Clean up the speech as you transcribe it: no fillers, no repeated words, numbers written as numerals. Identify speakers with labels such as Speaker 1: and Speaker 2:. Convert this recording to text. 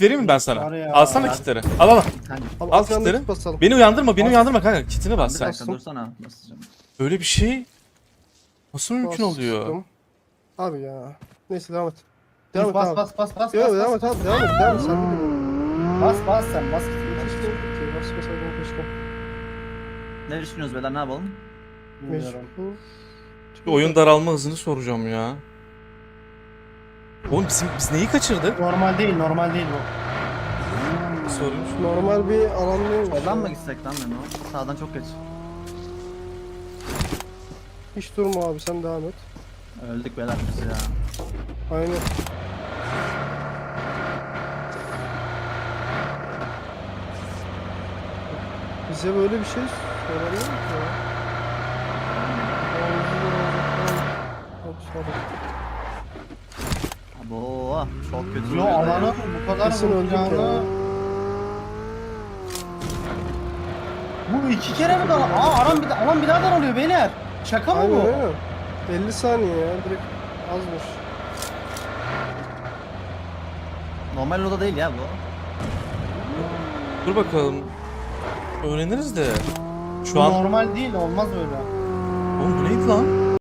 Speaker 1: Kit vereyim mi ben sana?
Speaker 2: Var ya.
Speaker 1: Alsana kitleri. Al al.
Speaker 3: Kanka
Speaker 1: Al
Speaker 4: At yanına
Speaker 1: kitleri.
Speaker 4: kit basalım.
Speaker 1: Beni uyandırma, beni uyandırma kanka. Kitini bas
Speaker 3: bir
Speaker 1: sen.
Speaker 3: dakika dursana. Basacağım.
Speaker 1: Böyle bir şey nasıl mümkün oluyor?
Speaker 4: Bastım. Abi ya. Neyse devam et.
Speaker 2: Dur,
Speaker 4: Devam et
Speaker 2: bas
Speaker 4: abi.
Speaker 2: bas bas bas
Speaker 4: Yok
Speaker 2: bas
Speaker 4: devam
Speaker 2: bas
Speaker 4: et abi devam et. Devam et. Sen bilmiyorum.
Speaker 2: bas bas sen bas.
Speaker 4: Keşke bitti. Bas bas abi keşke.
Speaker 3: Ne düşünüyoruz beyler, ne yapalım?
Speaker 2: Bilmiyorum.
Speaker 4: Mecbur.
Speaker 1: Bir oyun daralma hızını soracağım ya. Oğlum biz neyi kaçırdık?
Speaker 2: Normal değil normal değil bu.
Speaker 1: Sorayım şu.
Speaker 4: Normal bir alan değil mi?
Speaker 3: Soldan mı gitsek lan Memo? Sağdan çok geç.
Speaker 4: Hiç durma abi sen devam et.
Speaker 3: Öldük beyler biz ya.
Speaker 4: Aynen. Bize böyle bir şey söylenmiyor ki ya.
Speaker 3: Abo çok kötü.
Speaker 2: Yo
Speaker 3: oluyor
Speaker 2: alanı
Speaker 3: ya.
Speaker 2: bu kadar
Speaker 4: Kesin öldük
Speaker 2: vuracağını...
Speaker 4: ya.
Speaker 2: Bu iki kere mi daha? Alan bir daha daralıyor beyler. Şaka mı
Speaker 4: Aynen
Speaker 2: bu?
Speaker 4: aynen. 50 saniye ya direkt azmış.
Speaker 3: Normal oda değil ya bu.
Speaker 1: Dur bakalım. Öğreniriz de.
Speaker 2: Bu
Speaker 1: Şu an
Speaker 2: normal değil olmaz öyle.
Speaker 1: oğlum bu neydi lan?